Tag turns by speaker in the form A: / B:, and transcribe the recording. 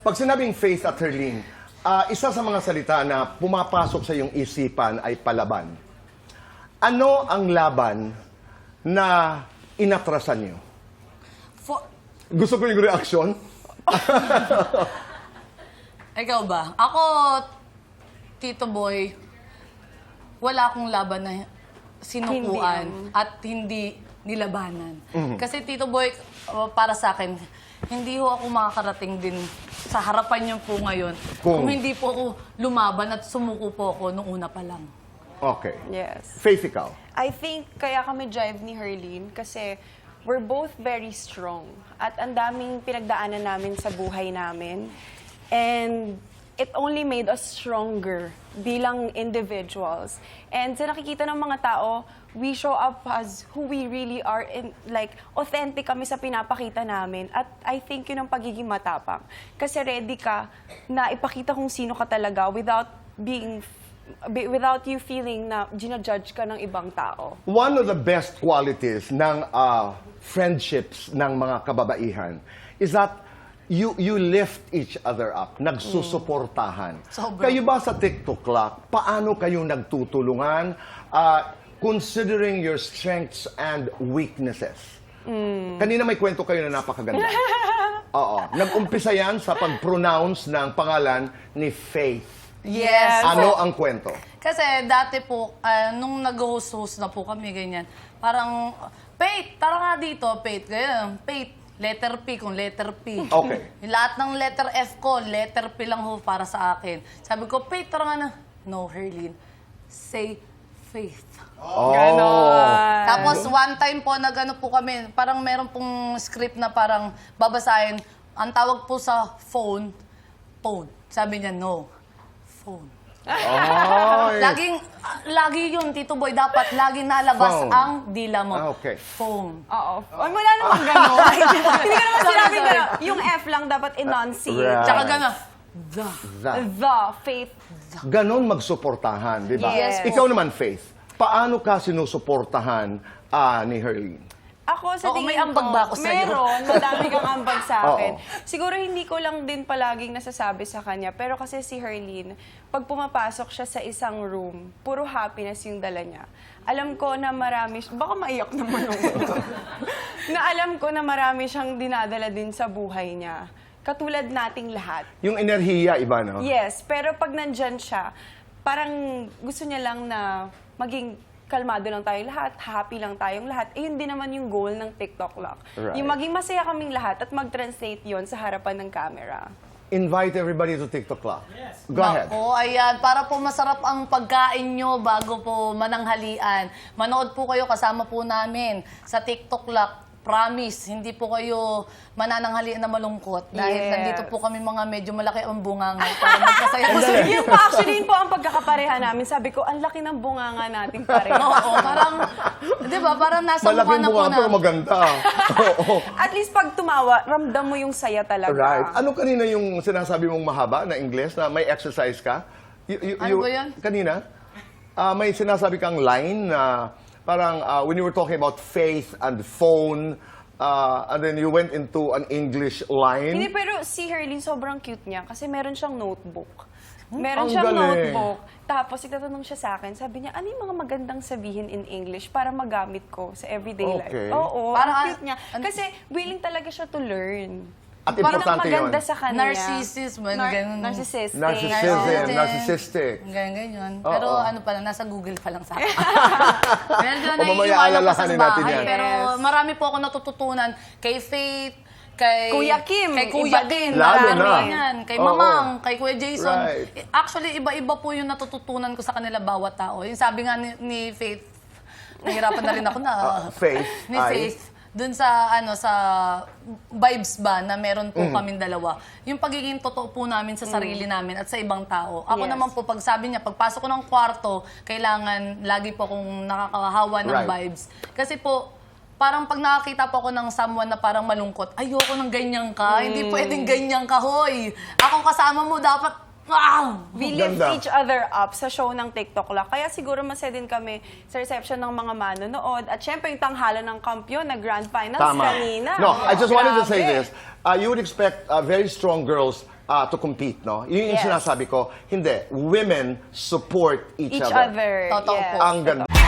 A: Pag sinabing Faith at Herlene, isa sa mga salita na pumapasok sa iyong isipan ay palaban. Ano ang laban na inatrasan niyo? Gusto ko yung reaksyon.
B: Ikaw ba? Ako, Tito Boy, wala akong laban na sinukuan at hindi nilabanan. Kasi Tito Boy, para sa akin, hindi ho ako makakarating din sa harapan niyo po ngayon kung hindi po ako lumaban at sumuko po ako nung una pa lang.
A: Okay.
C: Yes.
A: Faith, ikaw?
C: I think kaya kami drive ni Herlene kasi we're both very strong. At ang daming pinagdaanan namin sa buhay namin. And it only made us stronger bilang individuals. And sa nakikita ng mga tao, we show up as who we really are. And like, authentic kami sa pinapakita namin. At I think yun ang pagiging matapang. Kasi ready ka na ipakita kung sino ka talaga without you feeling na ginajudge ka ng ibang tao.
A: One of the best qualities ng friendships ng mga kababaihan is that you lift each other up, nagsusuportahan.
B: Sobra.
A: Kayo ba sa TikTok Clock, paano kayo nagtutulungan considering your strengths and weaknesses? Kanina may kwento kayo na napakaganda. Oo. Nag-umpisa yan sa pag-pronounce ng pangalan ni Faith.
B: Yes.
A: Ano ang kwento?
B: Kasi dati po, nung nag-host na po kami, ganyan, parang, Faith, tara nga dito, Faith, ganyan, Faith, letter P kung letter P.
A: Okay.
B: Lahat ng letter F ko, letter P lang ho para sa akin. Sabi ko, Faith, tara nga na. No, Herlene, say Faith.
A: Oh.
C: Ganon.
B: Tapos one time po, nag-ano po kami, parang meron pong script na parang babasahin. Ang tawag po sa phone. Sabi niya, no. Phone. Lagi yun, Tito Boy, dapat lagi nalabas
A: Phone.
B: ang dila mo.
A: Okay.
B: Phone.
C: Oo. Wala namang gano'n. Hindi ko naman sinabing gano'n. Yung F lang dapat enunciate.
A: Right.
B: Tsaka gano'n,
C: The faith.
A: Ganon magsuportahan, di ba?
C: Yes.
A: Ikaw naman, Faith, paano ka sinusuportahan ni Herlene?
C: Ako sa
B: Oo,
C: tingin
B: may ambag ba ako sa'yo?
C: Meron, madami kang ambag sa akin.
A: Oo.
C: Siguro hindi ko lang din palaging nasasabi sa kanya, pero kasi si Herlene, pag pumapasok siya sa isang room, puro happiness yung dala niya. Alam ko na marami, baka maiyak naman ako. Na alam ko na marami siyang dinadala din sa buhay niya. Katulad nating lahat.
A: Yung enerhiya, iba, no?
C: Yes, pero pag nandyan siya, parang gusto niya lang na maging kalmado lang tayong lahat, happy lang tayong lahat. Eh, yun din naman yung goal ng TikTok Lock.
A: Right.
C: Yung maging masaya kaming lahat at mag-translate yon sa harapan ng camera.
A: Invite everybody to TikTok Clock. Yes. Go ahead.
B: Oo, ayan. Para po masarap ang pagkain nyo bago po mananghalian. Manood po kayo kasama po namin sa TikTok Lock. Promise, hindi po kayo manananghalian na malungkot. Dahil
C: Yes.
B: nandito po kami mga medyo malaki ang bunganga para magkasaya po sa
C: Yun po, actually, yun po ang pagkakapareha namin. Sabi ko, ang laki ng bunganga natin pareha.
B: Oo, parang, di ba, parang nasa mukha
A: Malaking
B: na po
A: bunga
B: na.
A: pero maganda. Oo.
C: At least pag tumawa, ramdam mo yung saya talaga.
A: Right. Ano kanina yung sinasabi mong mahaba na English na may exercise ka?
B: Ano ba yun?
A: Kanina, may sinasabi kang line na parang when you were talking about faith and phone, and then you went into an English line.
C: Hindi, pero si Herlene sobrang cute niya kasi meron siyang notebook. Meron
A: Ang
C: siyang
A: galing.
C: notebook. Tapos itatanong siya sa akin, sabi niya, ano yung mga magandang sabihin in English para magamit ko sa everyday
A: Okay.
C: life? Oo,
B: Parang
C: ang cute niya. Kasi willing talaga siya to learn.
A: At
C: Parang
A: importante
C: maganda
A: yun.
C: sa kanya.
B: Narcissism, ganun.
C: Narcissistic.
A: Narcissistic.
B: Ganyan.
A: Oo.
B: Pero ano pala, nasa Google pa lang sa akin. Medyo
A: O, mamaya
B: naiiwanan ko sa
A: alalahanin natin
B: bahay.
A: yan.
B: Pero
C: Yes.
B: marami po ako natututunan kay Faith, kay
C: Kuya Kim,
B: kay Kuya
C: iba
B: Kim,
C: din.
A: Lalo
B: marami
A: na.
B: yan. Kay
A: Oo.
B: Mamang, kay Kuya Jason.
A: Right.
B: Actually, iba-iba po yung natututunan ko sa kanila bawat tao. Yung sabi nga ni Faith, nahirapan na rin ako na.
A: Faith,
B: Ni
A: ay?
B: Faith. Dun sa sa vibes ba na meron po kaming dalawa. Yung pagiging totoo po namin sa sarili namin at sa ibang tao. Ako
C: Yes.
B: naman po, pag sabi niya, pagpasok ko ng kwarto, kailangan lagi po akong nakakahawa ng
A: Right.
B: vibes. Kasi po, parang pag nakakita po ako ng someone na parang malungkot, ayoko ng ganyan ka. Hindi pwedeng ganyan ka, hoy. Akong kasama mo, dapat wow!
C: We lift
A: Ganda.
C: each other up sa show ng TikTok Lock. Kaya siguro masaya din kami sa reception ng mga manonood. At syempre yung tanghalan ng kampiyon na Grand Finals
A: Tama.
C: kanina.
A: No, I just wanted to say
C: Grabe.
A: this. You would expect very strong girls to compete, no? Yun yung
C: Yes.
A: sinasabi ko. Hindi, women support each
C: Each
A: other.
C: other.
B: Totoo
C: yes.
B: po.
A: Ang ganda.